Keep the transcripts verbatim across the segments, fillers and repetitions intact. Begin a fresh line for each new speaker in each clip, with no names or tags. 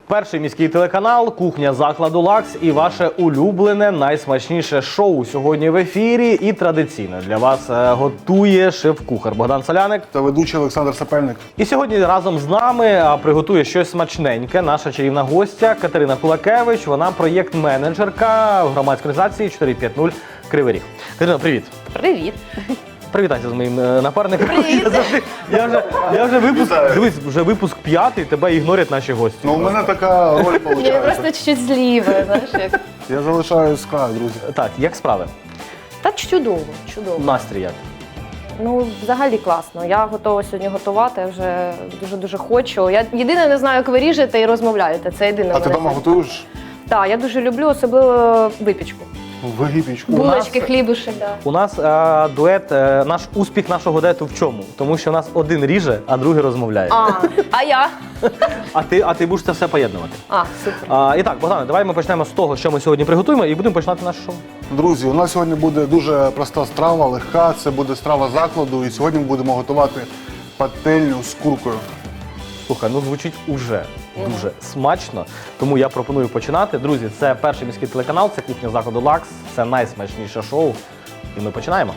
Перший міський телеканал, кухня закладу «Лакс» і ваше улюблене, найсмачніше шоу сьогодні в ефірі. І традиційно для вас готує шеф-кухар Богдан Соляник
та ведучий Олександр Сапельник.
І сьогодні разом з нами приготує щось смачненьке наша чарівна гостя Катерина Кулакевич. Вона проєкт-менеджерка громадської організації чотири п'ять нуль Кривий Ріг. Катерина, привіт.
Привіт.
Привітайся з моїм напарником.
Привіт.
Я, завжди, я вже, я вже випуск, дивись, вже випуск п'ятий, тебе ігнорять наші гості.
Ну, у мене така роль
Я
виходить.
просто чуть-чуть зліва, знаєш, як.
Я залишаюсь з краю, друзі.
Так, як справи?
Та чудово, чудово.
Настрій як?
Ну, взагалі класно. Я готова сьогодні готувати, я вже дуже-дуже хочу. Я єдине не знаю, як ви ріжете і розмовляєте. Це єдине.
А ти вдома готуєш?
Так, я дуже люблю, особливо випічку.
Вигіпічку.
У нас-
Булочки, хлібушек, да.
У нас а, дует, е, наш успіх нашого дуету в чому? Тому що у нас один ріже, а другий розмовляє.
А, а я?
А ти, а ти будеш це все поєднувати.
А, супер.
А, і так, Богдане, давай ми почнемо з того, що ми сьогодні приготуємо, і будемо починати наше шоу.
Друзі, у нас сьогодні буде дуже проста страва, легка. Це буде страва закладу. І сьогодні ми будемо готувати пательню з куркою.
Слухай, ну звучить уже дуже смачно, тому я пропоную починати. Друзі, це перший міський телеканал, це кухня закладу «Лакс», це найсмачніше шоу. І ми починаємо.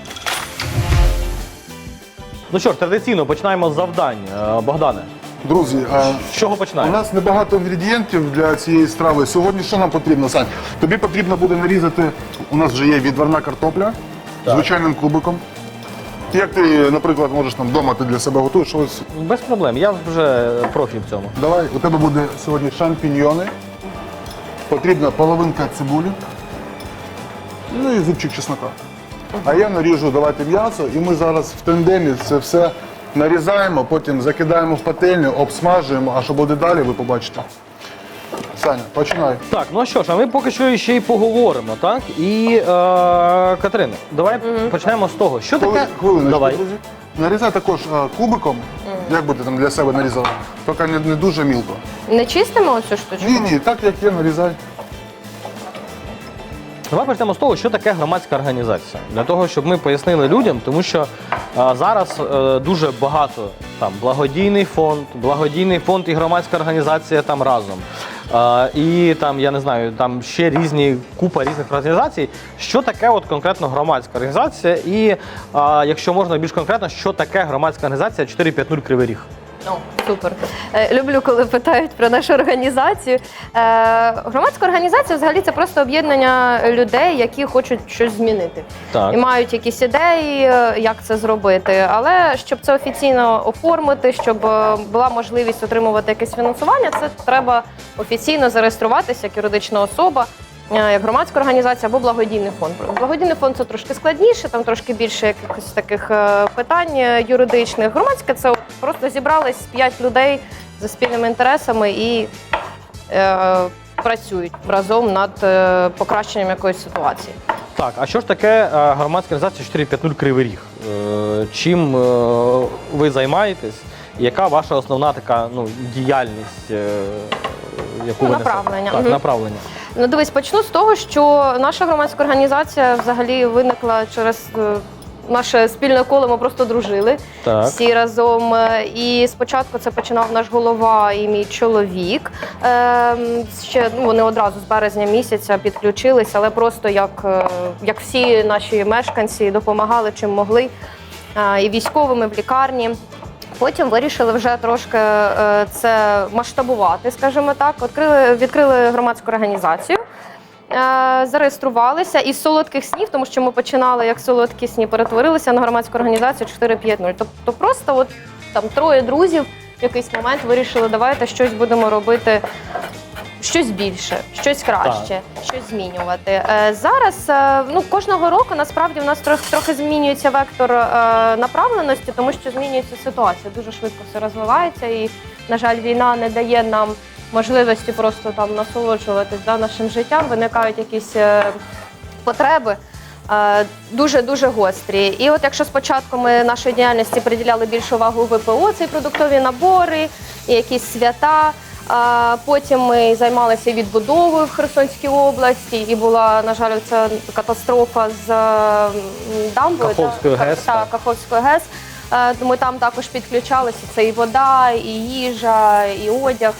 Ну що ж, традиційно починаємо з завдань. Е, Богдане,
Друзі, а,
з чого
у
починаємо?
нас небагато інгредієнтів для цієї страви. Сьогодні що нам потрібно, Сань? Тобі потрібно буде нарізати, у нас вже є відварна картопля звичайним кубиком. Як ти, наприклад, можеш там вдома ти для себе готуєш щось?
Без проблем, я вже профі в цьому.
Давай, у тебе буде сьогодні шампіньйони, потрібна половинка цибулі, ну і зубчик чеснока. А я наріжу, давайте м'ясо, і ми зараз в тандемі це все нарізаємо, потім закидаємо в пательню, обсмажуємо, а що буде далі, ви побачите. Саня, починай.
Так, ну що ж, а ми поки що ще й поговоримо, так? І, е, Катерина, давай почнемо з того, що таке...
Хвилиночку,
Давай.
друзі. Нарізай також а, кубиком, як би ти там для себе нарізала, тільки не, не дуже мілко.
Не чистимо оцю штучку?
Ні, ні, так як є, нарізай.
Давай почнемо з того, що таке громадська організація. Для того, щоб ми пояснили людям, тому що е, зараз е, дуже багато там благодійний фонд, благодійний фонд і громадська організація там разом. Е, і там, я не знаю, там ще різні, купа різних організацій. Що таке от конкретно громадська організація? І, е, якщо можна більш конкретно, що таке громадська організація чотири п'ять нуль Кривий Ріг?
О, супер. Е, Люблю, коли питають про нашу організацію. Е, Громадська організація взагалі це просто об'єднання людей, які хочуть щось змінити.
Так.
І мають якісь ідеї, е, як це зробити. Але щоб це офіційно оформити, щоб е, була можливість отримувати якесь фінансування, це треба офіційно зареєструватися як юридична особа, е, як громадська організація або благодійний фонд. Благодійний фонд це трошки складніше, там трошки більше якихось таких е, питань е, юридичних. Громадське це от просто зібрались п'ять людей за спільними інтересами і е, працюють разом над е, покращенням якоїсь ситуації.
Так, а що ж таке е, громадська організація чотири п'ять нуль Кривий Ріг? Е, Чим е, ви займаєтесь? Яка ваша основна така ну, діяльність, е, яку
Ну,
ви несете?
направлення.
Так,
Мгм.
направлення.
Ну, дивись, почну з того, що наша громадська організація взагалі виникла через е, наше спільне коло, ми просто дружили
Так.
всі разом. Е, І спочатку це починав наш голова і мій чоловік. Е, Ще ну, вони одразу з березня місяця підключились, але просто як, е, як всі наші мешканці допомагали чим могли. Е, І військовими в лікарні. Потім вирішили вже трошки е, це масштабувати, скажімо так. Відкрили, відкрили громадську організацію, е, зареєструвалися із солодких снів, тому що ми починали як солодкі сні, перетворилися на громадську організацію чотири п'ять нуль. Тобто просто от там троє друзів в якийсь момент вирішили, давайте щось будемо робити. Щось більше, щось краще, щось змінювати. Е, Зараз е, ну, кожного року насправді в нас трохи, трохи змінюється вектор е, направленості, тому що змінюється ситуація. Дуже швидко все розвивається і, на жаль, війна не дає нам можливості просто там насолоджуватись да, нашим життям. Виникають якісь е, потреби е, дуже-дуже гострі. І от якщо спочатку ми нашої діяльності приділяли більшу увагу ВПО, це і продуктові набори, і якісь свята. А потім ми займалися відбудовою в Херсонській області, і була, на жаль, ця катастрофа з м, дамбою.
Каховською
та-
ГЕС,
та-
так.
Каховською ГЕС. Е, Ми там також підключалися. Це і вода, і їжа, і одяг.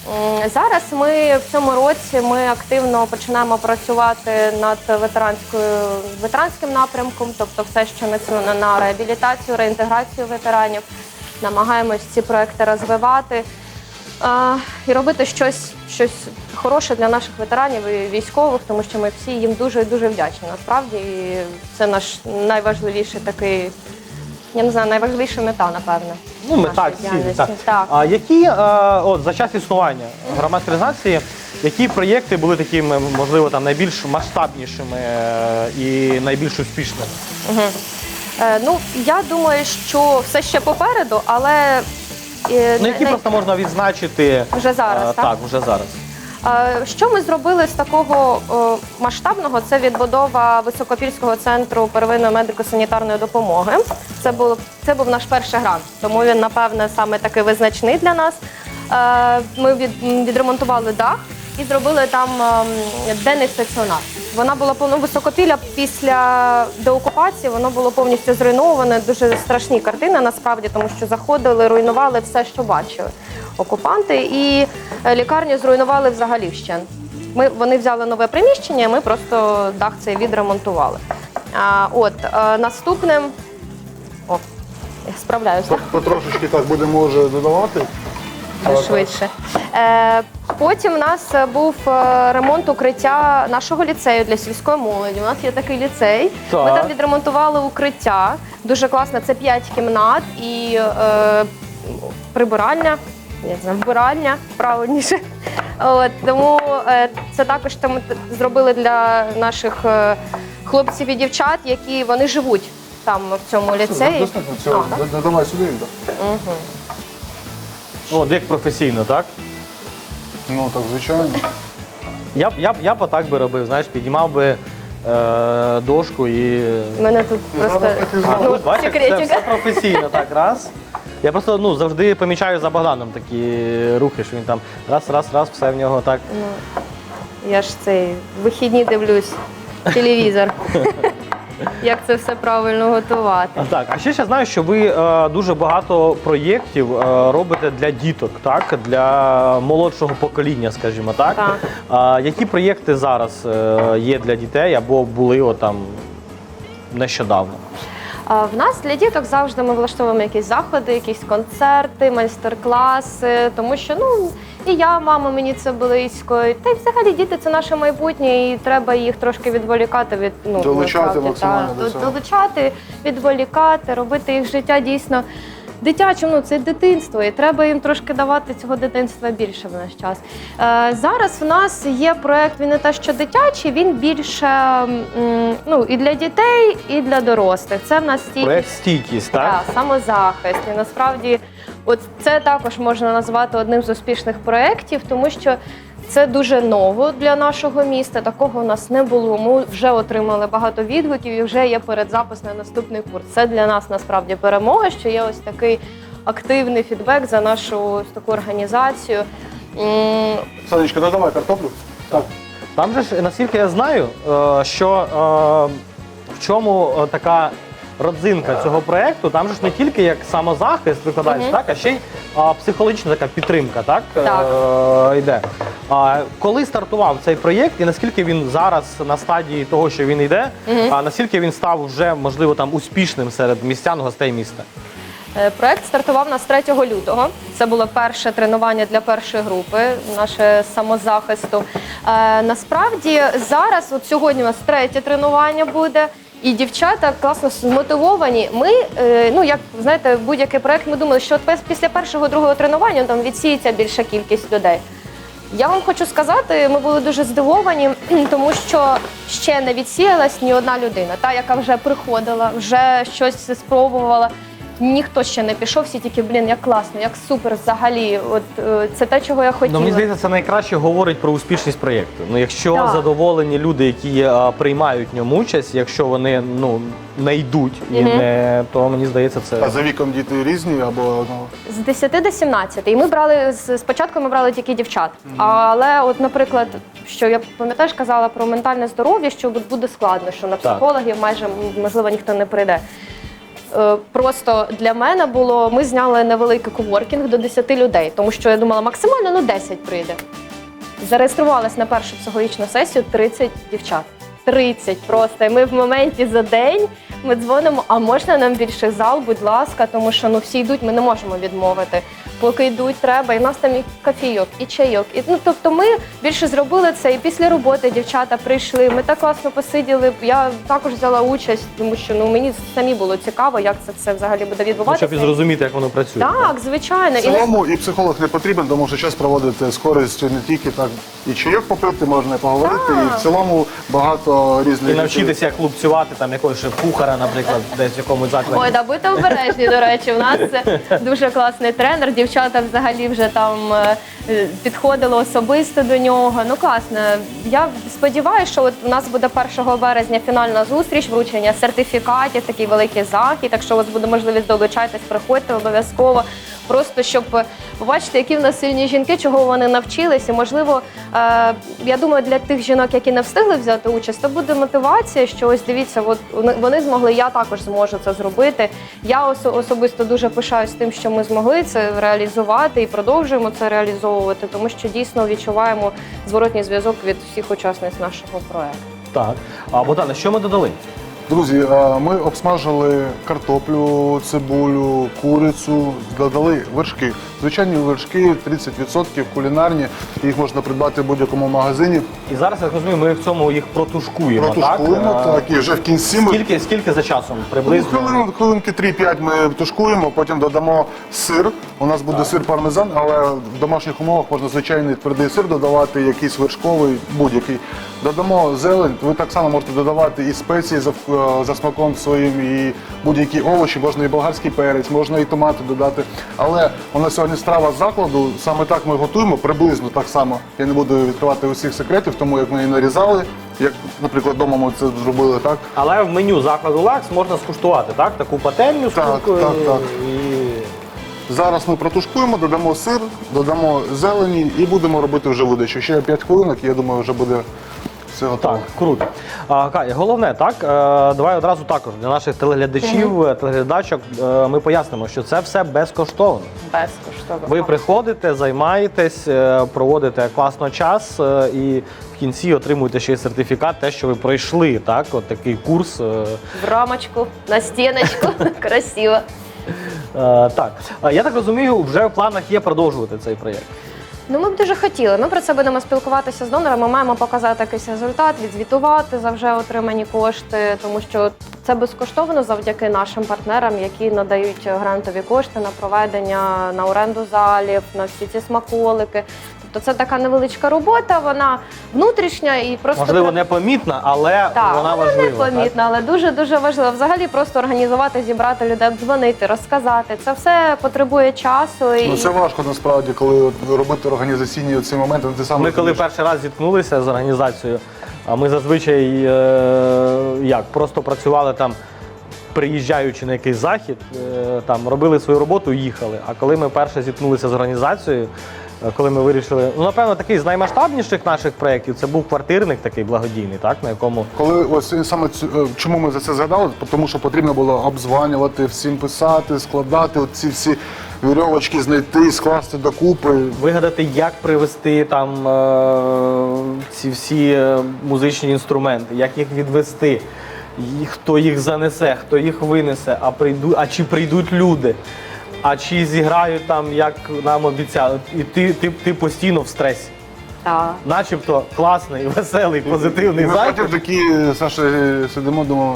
М, Зараз ми в цьому році ми активно починаємо працювати над ветеранською ветеранським напрямком, тобто все, що націлено на реабілітацію, реінтеграцію ветеранів. Намагаємось ці проекти розвивати а, і робити щось, щось хороше для наших ветеранів і військових, тому що ми всі їм дуже дуже вдячні. Насправді, і це наш найважливіший такий, я не знаю, найважливіша мета, напевне.
Ну, мета
нашої
цілі,
діяльності.
так.
Так.
А які е, от за час існування громадської організації, які проєкти були такими, можливо, там найбільш масштабнішими е, і найбільш успішними?
Е, ну, я думаю, що все ще попереду, але е,
Ну, які
не-
просто можна відзначити
Вже зараз,
е,
так?
Так, вже зараз.
Е, Що ми зробили з такого е, масштабного? Це відбудова Високопільського центру первинної медико-санітарної допомоги. Це був, це був наш перший грант, тому він, напевне, саме такий визначний для нас. Е, Ми від, відремонтували дах і зробили там ем, денний стаціонар. Вона була повно Високопілля після деокупації, воно було повністю зруйноване. Дуже страшні картини насправді, тому що заходили, руйнували все, що бачили окупанти, і е, лікарню зруйнували взагалі вщент. Ми вони взяли нове приміщення, ми просто дах цей відремонтували. А, от е, наступним о, я справляюся.
Потрошечки так будемо вже додавати.
Швидше. Е, потім у нас був е, ремонт укриття нашого ліцею для сільської молоді. У нас є такий ліцей.
Так.
Ми там відремонтували укриття. Дуже класно. Це п'ять кімнат і е, прибиральня, я не знаю, вбиральня, правильніше. От, тому е, це також там зробили для наших е, хлопців і дівчат, які вони живуть там в цьому ліцеї.
Достатньо
А,
цього.
так?
Додавай сюди. так.
От, як професійно, так?
Ну так, звичайно.
Я б я, б- я б отак би робив, знаєш, підіймав би е, дошку і.
У мене тут просто
Зараз так і
А,
зробимо.
ну,
тут, бачиш, це
секретик.
все професійно, так, раз. Я просто ну, завжди помічаю за Богданом такі рухи, що він там раз, раз, раз, все в нього так.
Я ж цей вихідні дивлюсь телевізор. Як це все правильно готувати.
А, Так, а ще ще знаю, що ви е, дуже багато проєктів е, робите для діток, так? Для молодшого покоління, скажімо так.
Так.
А, які проєкти зараз е, є для дітей або були от, там нещодавно?
А в нас для діток завжди ми влаштовуємо якісь заходи, якісь концерти, майстер-класи, тому що ну і я, мама, мені це близько. Та й взагалі діти це наше майбутнє, і треба їх трошки відволікати від ну
Долучати
насправді,
максимально
та,
до цього.
долучати, відволікати, робити їх життя дійсно дитячим. Ну це дитинство, і треба їм трошки давати цього дитинства більше в наш час. Е, зараз в нас є проект. Він не те, що дитячий, він більше м, ну і для дітей, і для дорослих. Це в нас стійкість.
Проєкт стійкість, так?
Так, самозахист. І насправді, от це також можна назвати одним з успішних проєктів, тому що це дуже ново для нашого міста. Такого у нас не було. Ми вже отримали багато відгуків і вже є передзапис на наступний курс. Це для нас насправді перемога, що є ось такий активний фідбек за нашу ось таку організацію. М,
Санечка, додавай картоплю. Так.
Там же ж, наскільки я знаю, е, що е, в чому е, така родзинка цього проєкту, там же ж не тільки як самозахист викладається,
Мгм.
так, а ще й а, психологічна така підтримка, так,
Так.
Е, йде. А, коли стартував цей проєкт і наскільки він зараз на стадії того, що він йде, а наскільки він став вже, можливо, там успішним серед містян, гостей міста?
Е, Проект стартував у нас третього лютого. Це було перше тренування для першої групи, наше самозахисту. Е, насправді зараз, от сьогодні у нас третє тренування буде, і дівчата класно змотивовані. Ми, е, ну як знаєте, будь-який проект, ми думали, що от пес- після першого другого тренування там відсіється більша кількість людей. Я вам хочу сказати, ми були дуже здивовані, тому що ще не відсіялась ні одна людина, та яка вже приходила, вже щось спробувала. Ніхто ще не пішов, всі тільки, блін, як класно, як супер взагалі. От е, це те, чого я хотіла.
Ну, мені здається, це найкраще говорить про успішність проєкту. Ну, якщо
Так.
задоволені люди, які а, приймають в ньому участь, якщо вони ну, не йдуть, і
Мгм.
не, то мені здається, це.
А за віком діти різні або ну,
З десяти до сімнадцяти. І ми брали з- спочатку ми брали тільки дівчат. Але, от, наприклад, що я пам'ятаєш, казала про ментальне здоров'я, що буде складно, що на
Так.
психологів майже можливо ніхто не прийде. е, просто для мене було, ми зняли невеликий коворкінг до десяти людей, тому що я думала, максимально ну десять прийде. Зареєструвалась на першу психологічну сесію тридцять дівчат. тридцять просто. І ми в моменті за день ми дзвонимо, а можна нам більший зал, будь ласка, тому що ну всі йдуть, ми не можемо відмовити. Поки йдуть, треба, і в нас там і кофійок, і чайок. І, ну, тобто ми більше зробили це, і після роботи дівчата прийшли, ми так класно посиділи, я також взяла участь, тому що ну, мені самі було цікаво, як це все взагалі буде
Ну,
відбуватися.
щоб і зрозуміти, як воно працює.
Так, звичайно.
В цілому і психолог не потрібен, тому що час проводити з користю не тільки так і чайок попити, можна і поговорити,
Так.
і в цілому багато різних...
І навчитися, як лупцювати там якогось шеф-кухара, наприклад, десь в якомусь закладі.
Ой, да, будьте обережні, до речі. У нас дуже класний тренер. Дівчата взагалі вже там е, підходили особисто до нього. Ну класно. Я сподіваюся, що от у нас буде першого березня фінальна зустріч, вручення сертифікатів, такий великий захід. Так що у вас буде можливість долучайтесь, приходьте обов'язково. Просто щоб побачити, які в нас сильні жінки, чого вони навчились. І, можливо, е, я думаю, для тих жінок, які не встигли взяти участь, то буде мотивація, що ось дивіться, от вони змогли, я також зможу це зробити. Я осо- особисто дуже пишаюсь тим, що ми змогли це реалізувати і продовжуємо це реалізовувати, тому що дійсно відчуваємо зворотній зв'язок від всіх учасниць нашого проекту.
Так. А Богдане, що ми додали?
Друзі, а, ми обсмажили картоплю, цибулю, курицю, додали вершки. Звичайні вершки, тридцять відсотків кулінарні, їх можна придбати в будь-якому магазині.
І зараз, я розумію, ми в цьому їх протушкуємо,
Протушкуємо,
так?
так, і вже в кінці ми...
Скільки, скільки за часом
Ну,
приблизно?
хвилин, хвилинки три-п'ять ми тушкуємо, потім додамо сир. У нас буде сир пармезан, але в домашніх умовах можна звичайний твердий сир додавати, якийсь вершковий, будь-який. Додамо зелень, ви так само можете додавати і спеції за, е, за смаком своїм, і будь-які овочі, можна і болгарський перець, можна і томати додати. Але у нас сьогодні страва з закладу, саме так ми готуємо, приблизно так само. Я не буду відкривати усіх секретів, тому як ми її нарізали, як, наприклад, вдома ми це зробили, так?
Але в меню закладу «Лакс» можна скуштувати, так? Таку пательню з
Так,
куркою
так, так.
і...
Зараз ми протушкуємо, додамо сир, додамо зелені і будемо робити вже видачу. Ще п'ять хвилинок, я думаю, вже буде все готово.
Так, круто. А, Катя, головне, так, е, давай одразу також для наших телеглядачів, е, телеглядачок е, ми пояснимо, що це все безкоштовно.
Безкоштовно.
Ви приходите, займаєтесь, е, проводите класно час е, і в кінці отримуєте ще й сертифікат, те, що ви пройшли, так, от такий курс. е,
В рамочку, на стіночку. Красиво.
Е, Так, А я так розумію, вже в планах є продовжувати цей проєкт.
Ну, ми б дуже хотіли. Ми про це будемо спілкуватися з донорами, маємо показати якийсь результат, відзвітувати за вже отримані кошти, тому що це безкоштовно завдяки нашим партнерам, які надають грантові кошти на проведення, на оренду залів, на всі ці смаколики. Тобто це така невеличка робота, вона внутрішня і просто
Можливо,
треба-
непомітна, але
Так,
вона
вона
важлива.
непомітна, але дуже-дуже важлива. Взагалі просто організувати, зібрати людей, дзвонити, розказати. Це все потребує часу. І...
Ну, це важко насправді, коли от робити організаційні ці моменти. Ти сам
Ми коли
розумієш.
перший раз зіткнулися з організацією, а ми зазвичай е, як, просто працювали там, приїжджаючи на якийсь захід, е, там робили свою роботу і їхали. А коли ми перше зіткнулися з організацією, е, коли ми вирішили, ну напевно, такий з наймасштабніших наших проєктів, це був квартирник такий благодійний, так, на якому
Коли ось саме цю- е, чому ми за це згадали? Тому що потрібно було обдзванювати, всім писати, складати ці всі вірьовочки, знайти, скласти докупи.
вигадати, як привезти там е, ці всі е, музичні інструменти, як їх відвести, і хто їх занесе, хто їх винесе, а прийду, а чи прийдуть люди, а чи зіграють там, як нам обіцяли. І ти, ти, ти постійно в стресі.
Так.
Начебто класний, веселий, позитивний
І ми
захід.
потім такі, Саша, сидимо, думаємо,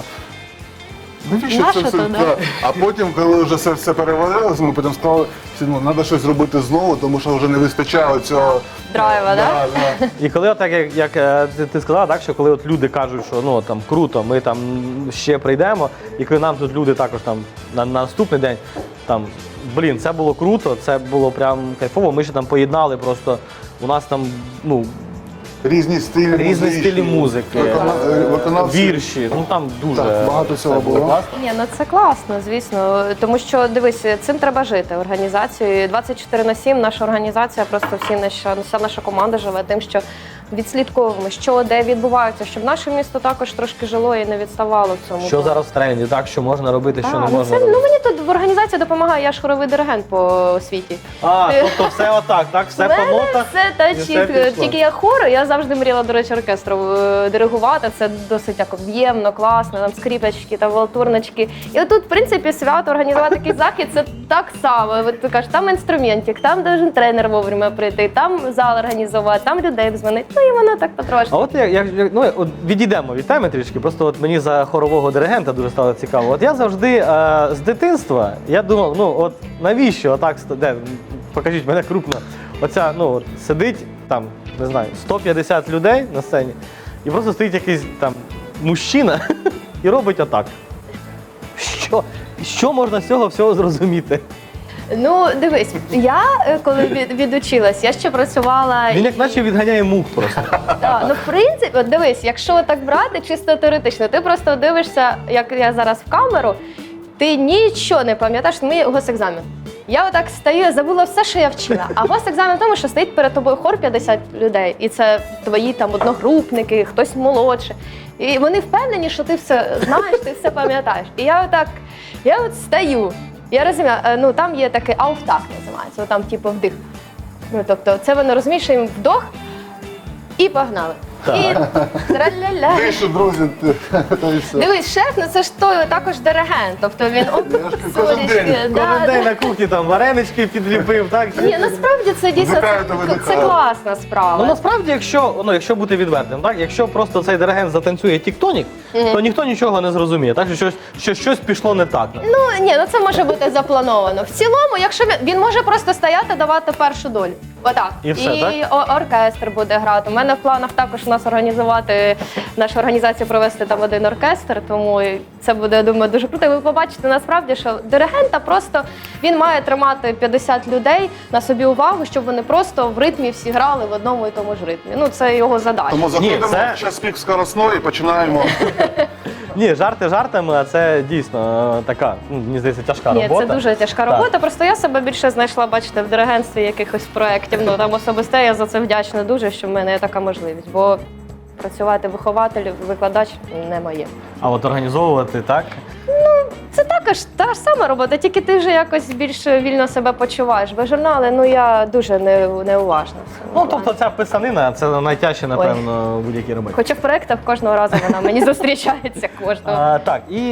навіщо
Нащо
це все?
то, да?
Да. А потім, коли вже все, все перевалилося, ми потім сказали, ну, треба щось робити знову, тому що вже не вистачає цього
Драйва, да?
да.
І коли отак, як, як е, ти, ти сказала, так, що коли от люди кажуть, що ну там круто, ми там ще прийдемо, і коли нам тут люди також там на, на наступний день там, блін, це було круто, це було прям кайфово. Ми ще там поєднали просто, у нас там ну
Різні стилі
різні
музичні,
стилі музики,
викона- е, виконавці.
вірші, ну там дуже
Так, багато цього
це
було.
класно.
Ні, ну це класно, звісно. Тому що дивись, цим треба жити організацією. двадцять чотири на сім наша організація, просто всі наша, вся наша команда живе тим, що відслідковуємо, що де відбувається, щоб наше місто також трошки жило і не відставало в цьому.
Що
плані.
зараз в тренді, так, що можна робити, що
Так,
не
ну,
можна
це,
робити.
ну мені тут в організації допомагає, я ж хоровий диригент по освіті.
А, тобто все отак, так, все
У мене
по нотах.
все та
і все
чітко.
пішло.
Тільки я хор, я завжди мріяла, до речі, оркестру е, диригувати. Це досить так об'ємно, класно, там скрипочки, там валтурнички. І отут, в принципі, свято організувати такий захід, це так само. От ти кажеш, там інструментик, там должен тренер вовремя прийти, там зал організувати, там людей дзвонити. Ну і воно так потрошки.
А от як, як як- ну, от відійдемо від теми трішки, просто от мені за хорового диригента дуже стало цікаво. От я завжди е, з дитинства, я думав, ну от навіщо отак, ст- де, покажіть мене крупно, оця, ну от сидить там, не знаю, сто п'ятдесят людей на сцені, і просто стоїть якийсь там мужчина і робить отак. Що, що можна з цього всього зрозуміти?
Ну, дивись, я е, коли від, відучилась, я ще працювала.
Він як наче відганяє мух просто.
Так, ну в принципі, от дивись, якщо так брати чисто теоретично, ти просто дивишся, як я зараз в камеру, ти нічого не пам'ятаєш, мій госекзамен. Я отак стою, я забула все, що я вчила. А госекзамен в тому, що стоїть перед тобою хор п'ятдесят людей, і це твої там одногрупники, хтось молодше. І вони впевнені, що ти все знаєш, ти все пам'ятаєш. І я отак, я от стою. Я розумію, е, ну там є такий ауфтак називається, там типу вдих. Ну тобто, це вони розуміють, що їм вдох і погнали.
Так.
І траля-ля.
Вийшов, друзі, та і все.
Дивись, шеф, ну це ж той також диригент. Тобто він оп,
Я ж кожен
сонечки,
день,
да,
Кожен
да.
день на кухні там варенички підліпив, так?
Ні, насправді це дійсно
Вдихаю та
це, це
видихаю.
класна справа.
Ну насправді, якщо ну якщо бути відвертим, так якщо просто цей диригент затанцює тіктонік, то ніхто нічого не зрозуміє, так що щось що щось пішло не так.
Ну ні, ну це може бути заплановано. В цілому, якщо він, він може просто стояти, давати першу долю. Отак.
І все,
о- оркестр буде грати. У мене в планах також у нас організувати, нашу організацію провести там один оркестр, тому і це буде, я думаю, дуже круто. І ви побачите насправді, що диригента просто він має тримати п'ятдесят людей на собі увагу, щоб вони просто в ритмі всі грали в одному і тому ж ритмі. Ну це його задача.
Тому заходимо
це-
в час пік скоросної і починаємо.
Ні, жарти жартами, а це дійсно е, така, ну, мені здається, тяжка
Ні,
робота.
це дуже тяжка
Так.
робота. Просто я себе більше знайшла, бачите, в диригентстві якихось проєктів. Ну там особисто я за це вдячна дуже, що в мене є така можливість. Бо працювати вихователем, викладач не моє.
А от організовувати так.
Це також та ж сама робота, тільки ти вже якось більш вільно себе почуваєш. Бо журнали, ну я дуже не, неуважна. в цьому
Ну
плані.
тобто ця писанина це найтяжче, напевно, в будь-якій роботі.
Хоча в проєктах кожного разу вона мені зустрічається кожного.
А, так, і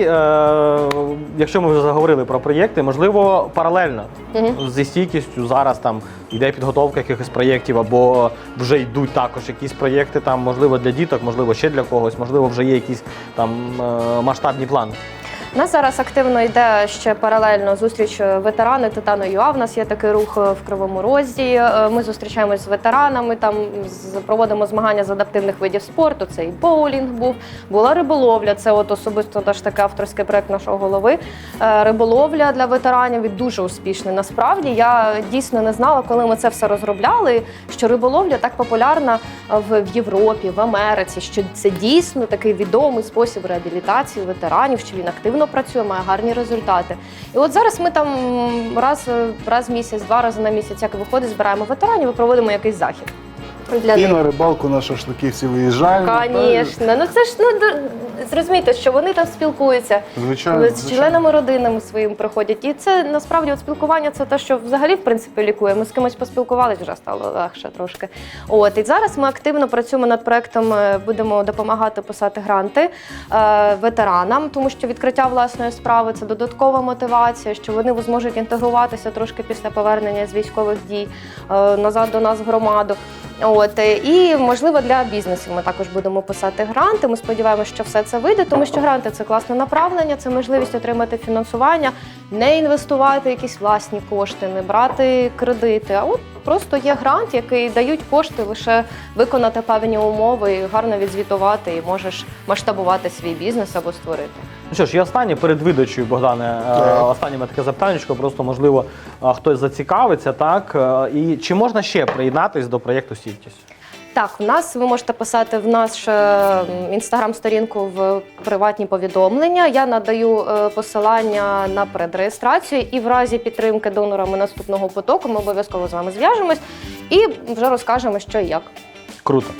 е, якщо ми вже заговорили про проєкти, можливо, паралельно зі стійкістю зараз там йде підготовка якихось проєктів, або вже йдуть також якісь проєкти, там, можливо, для діток, можливо, ще для когось, можливо, вже є якісь там е, масштабні плани.
У нас зараз активно йде ще паралельно зустріч ветерани Титану ЮА. У нас є такий рух в Кривому Розі. Ми зустрічаємось з ветеранами, там з- проводимо змагання з адаптивних видів спорту. Це і боулінг був, була риболовля. Це от особисто теж такий авторський проект нашого голови. Е, Риболовля для ветеранів і дуже успішний. Насправді я дійсно не знала, коли ми це все розробляли, що риболовля так популярна в в Європі, в Америці, що це дійсно такий відомий спосіб реабілітації ветеранів, що він активно працює, має гарні результати. І от зараз ми там раз, раз в місяць, два рази на місяць, як виходить, збираємо ветеранів і проводимо якийсь захід. Для
І
них.
на рибалку на шашлики всі виїжджаємо.
Звісно, ну це ж ну д- зрозумійте, що вони там спілкуються
Звичайно,
з
звичайно.
членами родинами своїм приходять. І це насправді от спілкування це те, що взагалі в принципі лікує. Ми з кимось поспілкувалися, вже стало легше трошки. От і зараз ми активно працюємо над проектом. е, Будемо допомагати писати гранти е, ветеранам, тому що відкриття власної справи це додаткова мотивація, що вони зможуть інтегруватися трошки після повернення з військових дій е, назад до нас в громаду. От е, і можливо для бізнесів ми також будемо писати гранти. Ми сподіваємося, що все це вийде, тому що гранти це класне направлення, це можливість отримати фінансування, не інвестувати якісь власні кошти, не брати кредити. А от просто є грант, який дають кошти лише виконати певні умови, і гарно відзвітувати, і можеш масштабувати свій бізнес або створити.
Ну що ж, і останнє перед видачею, Богдане, е,
Так.
останнє таке запитаннячко, просто можливо е, хтось зацікавиться, так? Е, І чи можна ще приєднатись до проєкту «Стійкість»?
Так, у нас ви можете писати в наш е, інстаграм-сторінку в приватні повідомлення. Я надаю е, посилання на предреєстрацію, і в разі підтримки донорами наступного потоку ми обов'язково з вами зв'яжемось і вже розкажемо, що і як.
Круто.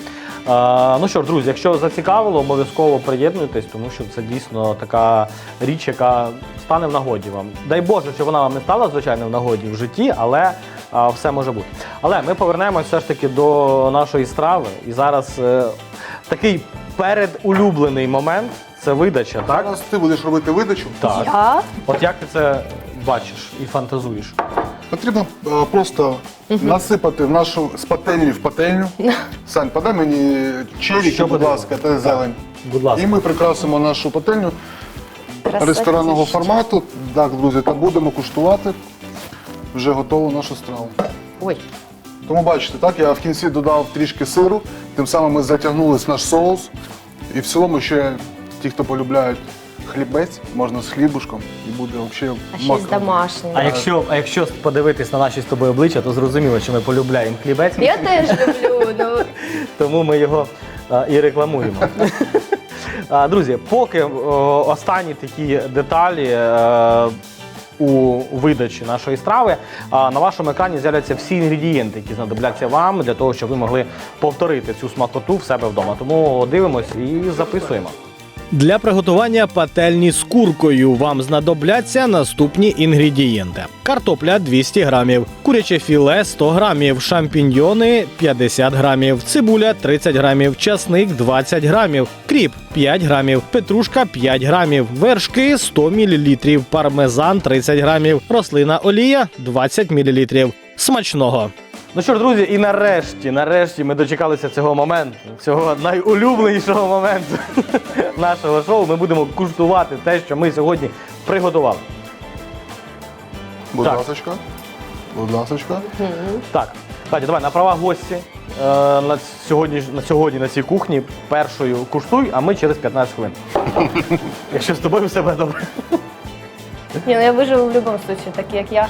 А, ну що ж, друзі, якщо зацікавило, обов'язково приєднуйтесь, тому що це дійсно така річ, яка стане в нагоді вам. Дай Боже, що вона вам не стала, звичайно, в нагоді в житті, але а, все може бути. Але ми повернемось все ж таки до нашої страви. І зараз е, такий передулюблений момент – це видача, так?
Зараз ти будеш робити видачу.
Так.
Я?
От як ти це бачиш і фантазуєш?
Потрібно е, просто насипати в нашу з пательні в пательню. Сань, подай мені черіки,
Що
будь
потрібно?
ласка, та зелень.
Будь ласка.
І ми прикрасимо нашу пательню
Красавчик.
ресторанного формату. Так, друзі, та будемо куштувати вже готову нашу страву.
Ой.
Тому бачите, так, я в кінці додав трішки сиру, тим самим ми затягнули наш соус. І в цілому ще ті, хто полюбляють хлібець, можна з хлібушком і буде взагалі
А щось домашнє.
А якщо, а якщо подивитись на наші з тобою обличчя, то зрозуміло, що ми полюбляємо хлібець,
Я теж люблю. Ну,
тому ми його а, і рекламуємо. А, друзі, поки о, останні такі деталі е, у видачі нашої страви, а, на вашому екрані з'являться всі інгредієнти, які знадобляться вам для того, щоб ви могли повторити цю смакоту в себе вдома. Тому дивимось і записуємо.
Для приготування пательні з куркою вам знадобляться наступні інгредієнти: картопля двісті грамів, куряче філе сто грамів, шампіньйони п'ятдесят грамів, цибуля тридцять грамів, часник двадцять грамів, кріп п'ять грамів, петрушка п'ять грамів, вершки сто мілілітрів, пармезан тридцять грамів, рослина олія двадцять мілілітрів. Смачного!
Ну що ж, друзі, і нарешті, нарешті ми дочекалися цього моменту, цього найулюбленішого моменту нашого шоу. Ми будемо куштувати те, що ми сьогодні приготували.
Будь
Так.
ласочка. Будь ласочка.
Так, Катя, давай на права гості е, на, сьогодні, на сьогодні на цій кухні першою куштуй, а ми через п'ятнадцять хвилин. Якщо з тобою все буде добре.
ні, ну я виживу в будь-якому випадку, так як я.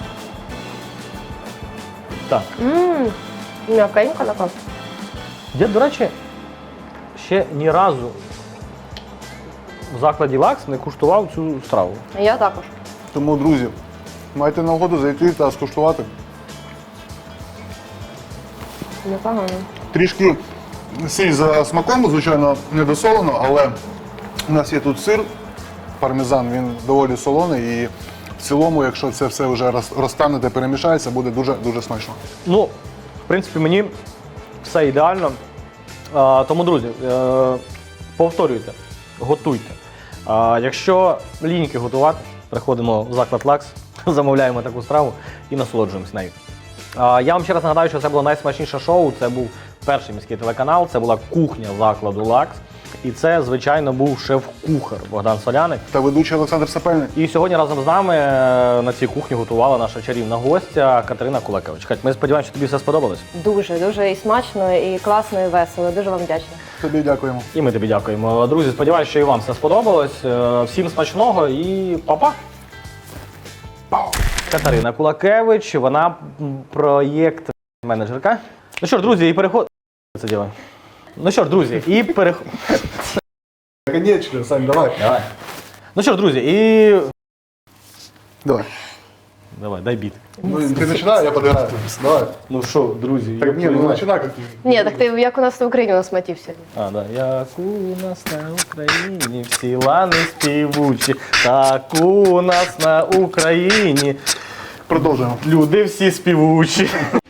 Так.
Ммм, м'якенька така.
Я, до речі, ще ні разу в закладі Лакс не куштував цю страву.
Я також.
Тому, друзі, маєте нагоду зайти та скуштувати.
Непогано.
Трішки сіль за смаком, звичайно, не досолено, але у нас є тут сир, пармезан, він доволі солоний і в цілому, якщо це все вже роз- розтане та перемішається, буде дуже-дуже смачно.
Ну, в принципі, мені все ідеально. А, тому, друзі, е, повторюйте, готуйте. А, якщо ліньки готувати, приходимо в заклад Лакс, замовляємо таку страву і насолоджуємось нею. А, я вам ще раз нагадаю, що це було найсмачніше шоу, це був перший міський телеканал, це була кухня закладу Лакс. І це, звичайно, був шеф-кухар Богдан Соляник.
Та ведучий Олександр Сапельник.
І сьогодні разом з нами е, на цій кухні готувала наша чарівна гостя Катерина Кулакевич. Кать, ми сподіваємося, що тобі все сподобалось.
Дуже, дуже і смачно, і класно, і весело. Дуже вам вдячна.
Тобі дякуємо.
І ми тобі дякуємо. Друзі, сподіваюся, що і вам все сподобалось. Е, Всім смачного і па-па! Катерина Кулакевич, вона м, проєкт-менеджерка. Ну що ж, друзі, і переход... Це діло. Ну що ж, друзі, і переход...
Конечно, Сань, давай.
Давай. Ну що ж, друзі, і...
Давай.
Давай, дай біт.
Ну, ти починай, я подиграю. Давай.
Ну що, друзі,
Так, ні, ну починай, як ти.
Ні, так ти як у нас в Україні у нас мотив сьогодні.
А, да. Як у нас на Україні всі лани співучі, так у нас на Україні
Продовжуємо.
люди всі співучі.